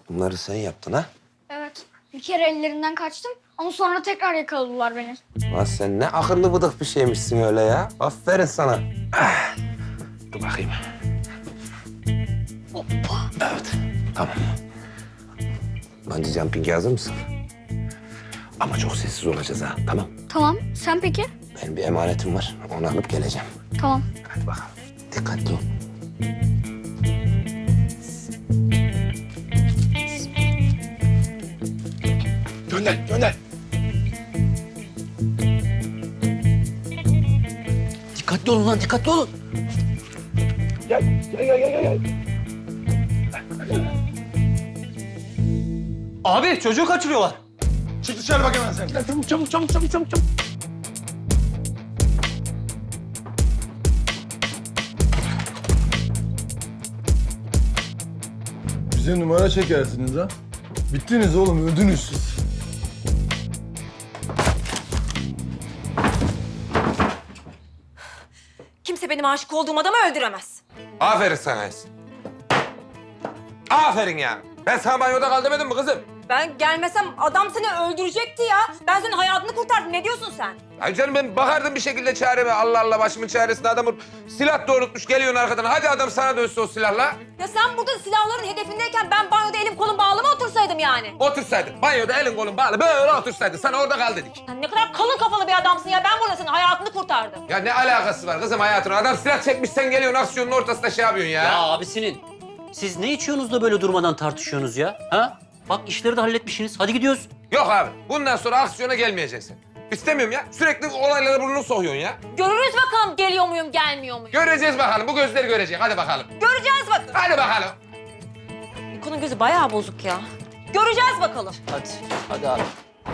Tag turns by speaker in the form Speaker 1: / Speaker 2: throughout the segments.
Speaker 1: Bunları sen yaptın ha?
Speaker 2: Evet. Bir kere ellerinden kaçtım ama sonra tekrar yakaladılar beni.
Speaker 1: Lan sen ne akıllı bıdık bir şeymişsin öyle ya. Aferin sana. Ah. Dur bakayım.
Speaker 2: Hoppa.
Speaker 1: Evet, tamam. Bungee jumping'e hazır mısın? Ama çok sessiz olacağız ha, tamam?
Speaker 2: Tamam. Sen peki?
Speaker 1: Benim bir emanetim var, onu alıp geleceğim.
Speaker 2: Tamam.
Speaker 1: Hadi bakalım, dikkatli ol.
Speaker 3: Gönder, gönder.
Speaker 4: Dikkatli olun lan, dikkatli olun.
Speaker 3: Gel, gel, gel, gel, gel.
Speaker 4: Abi çocuğu kaçırıyorlar.
Speaker 3: Çık dışarı bak hemen sen. Gel, çabuk, çabuk, çabuk, çabuk, çabuk, çabuk.
Speaker 5: Bize numara çekersiniz ha. Bittiniz oğlum, öldünüz siz.
Speaker 6: Kimse benim aşık olduğum adamı öldüremez.
Speaker 1: Aferin sana Esin. Aferin ya. Ben sana banyoda kal demedim mi kızım?
Speaker 6: Ben gelmesem adam seni öldürecekti ya. Ben senin hayatını kurtardım. Ne diyorsun sen?
Speaker 1: Ay canım ben bakardım bir şekilde çareme. Allah Allah başımın çaresine adamı silah doğrultmuş geliyorsun arkadan. Hadi adam sana dönsün o silahla.
Speaker 6: Ya sen burada silahların hedefindeyken ben banyoda elim kolum bağlı mı otursaydım yani?
Speaker 1: Otursaydın. Banyoda elin kolun bağlı böyle otursaydın. Sana orada kal dedik.
Speaker 6: Sen ne kadar kalın kafalı bir adamsın ya. Ben burada senin hayatını kurtardım.
Speaker 1: Ya ne alakası var kızım hayatına? Adam silah çekmiş sen geliyorsun aksiyonun ortasında şey yapıyorsun ya.
Speaker 4: Ya abisinin. Siz ne içiyorsunuz da böyle durmadan tartışıyorsunuz ya? Ha? Bak işleri de halletmişsiniz. Hadi gidiyoruz.
Speaker 1: Yok abi bundan sonra aksiyona gelmeyeceksin. İstemiyorum ya. Sürekli olaylara burnunu sokuyorsun ya.
Speaker 6: Görürüz bakalım geliyor muyum gelmiyor muyum?
Speaker 1: Göreceğiz bakalım. Bu gözler görecek. Hadi bakalım.
Speaker 6: Göreceğiz bakalım.
Speaker 1: Hadi bakalım.
Speaker 6: Niko'nun gözü bayağı bozuk ya. Göreceğiz bakalım.
Speaker 4: Hadi. Hadi abi.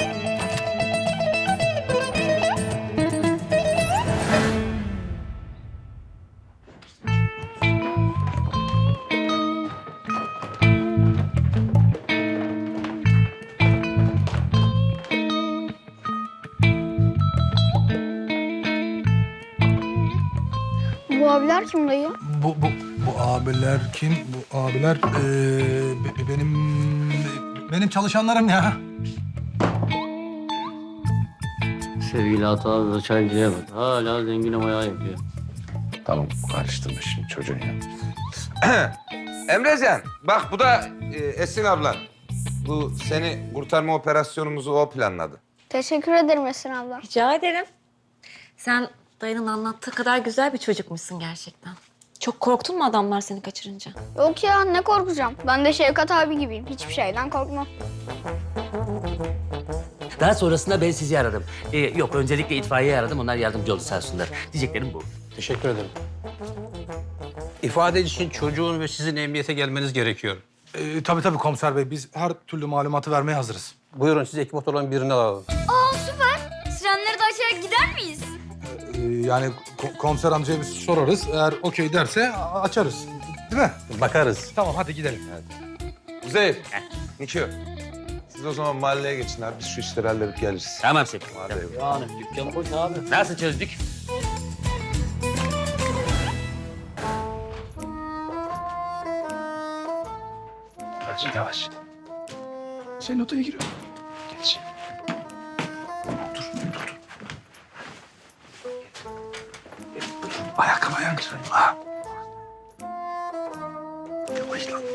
Speaker 2: Bu abiler kim dayı?
Speaker 5: Bu abiler kim? Bu abiler benim çalışanlarım ya.
Speaker 4: Sevgili Atağı da çaycıya bak. Hala zengin ayağı yapıyor.
Speaker 1: Tamam karıştırma şimdi çocuğun ya. Emrecan bak bu da Esin ablan. Bu seni kurtarma operasyonumuzu o planladı.
Speaker 2: Teşekkür ederim Esin abla.
Speaker 6: Rica ederim. Sen dayının anlattığı kadar güzel bir çocukmuşsun gerçekten. Çok korktun mu adamlar seni kaçırınca?
Speaker 2: Yok ya ne korkacağım. Ben de Şevkat abi gibiyim. Hiçbir şeyden korkmam.
Speaker 7: Daha sonrasında ben sizi aradım. Yok, öncelikle itfaiyeyi aradım. Onlar yardımcı oldu sağ olsunlar. Diyeceklerim bu.
Speaker 8: Teşekkür ederim. İfade için çocuğun ve sizin emniyete gelmeniz gerekiyor.
Speaker 5: Tabii komiser bey. Biz her türlü malumatı vermeye hazırız.
Speaker 8: Buyurun siz ekip olan birini alalım.
Speaker 2: Aa süper. Sirenleri de açarak gider miyiz?
Speaker 5: Yani komiser amcaya biz sorarız. Eğer okey derse açarız. Değil mi?
Speaker 8: Bakarız.
Speaker 5: Tamam hadi gidelim.
Speaker 1: Kuzey, Nikio. Siz o zaman mahalleye geçin abi. Biz şu işleri halledip geliriz.
Speaker 7: Tamam Selim.
Speaker 4: Yani dükkan boş abi.
Speaker 7: Nasıl çözdük?
Speaker 3: Yavaş, yavaş. Senin odaya giriyorum. Geç. Dur, dur, dur. Ayakkabı ayağını kırayım. Ha. Yavaş lan.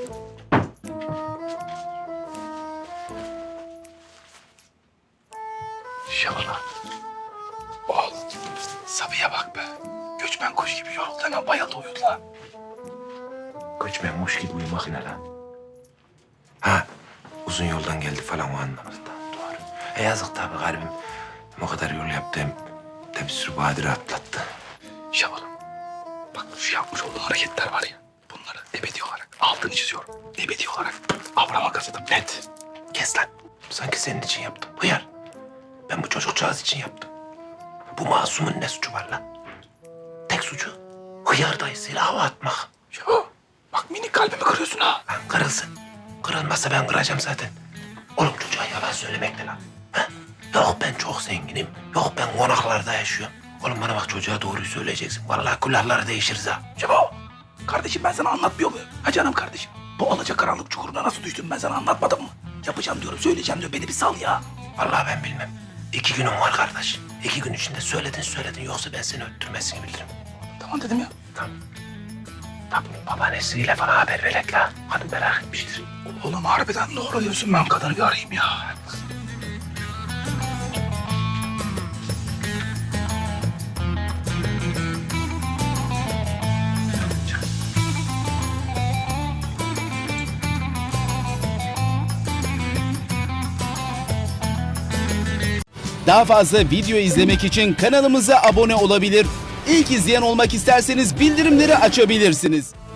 Speaker 3: Şabana. Oğlum, Sabiha bak be. Göçmen kuş gibi yoruldu. Hemen bayıldı uyudu lan.
Speaker 1: Göçmen kuş gibi uyumak ne lan? Ha, uzun yoldan geldi falan o anlamda. Doğru. Yazık tabii garibim. Hem o kadar yol yaptı hem de bir sürü badire atlattı.
Speaker 3: Şabalım. Bak şu yapmış olduğu hareketler var ya. Bunları ebedi olarak altını çiziyorum. Ebedi olarak Abraham'a kazıdım. Net.
Speaker 1: Kes lan. Sanki senin için yaptım. Hıyar. Ben bu çocukcağız için yaptım. Bu masumun ne suçu var lan? Tek suçu hıyar dayısıyla hava atmak.
Speaker 3: Şabo. Bak minik kalbimi kırıyorsun ha.
Speaker 1: Lan kırılsın. Kırılmazsa ben kıracağım zaten. Oğlum çocuğa yalan söylemekle lan. Ha? Yok ben çok zenginim. Yok ben konaklarda yaşıyorum. Oğlum bana bak çocuğa doğruyu söyleyeceksin. Vallahi külahları değişiriz ha.
Speaker 3: Şabo. Kardeşim ben sana anlatmıyor muyum? Ha canım kardeşim. Bu alacakaranlık çukuruna nasıl düştüm ben sana anlatmadım mı? Yapacağım diyorum, söyleyeceğim diyor. Beni bir sal ya.
Speaker 1: Vallahi ben bilmem. 2 günüm var kardeş. 2 gün içinde söyledin. Yoksa ben seni öttürmesini bilirim.
Speaker 3: Tamam dedim ya.
Speaker 1: Tamam. Tabii babaannesiyle falan haber verek la. Kadın merak etmiştir.
Speaker 3: Oğlum harbiden doğru diyorsun, ben kadını bir arayayım ya.
Speaker 9: Daha fazla video izlemek için kanalımıza abone olabilir. İlk izleyen olmak isterseniz bildirimleri açabilirsiniz.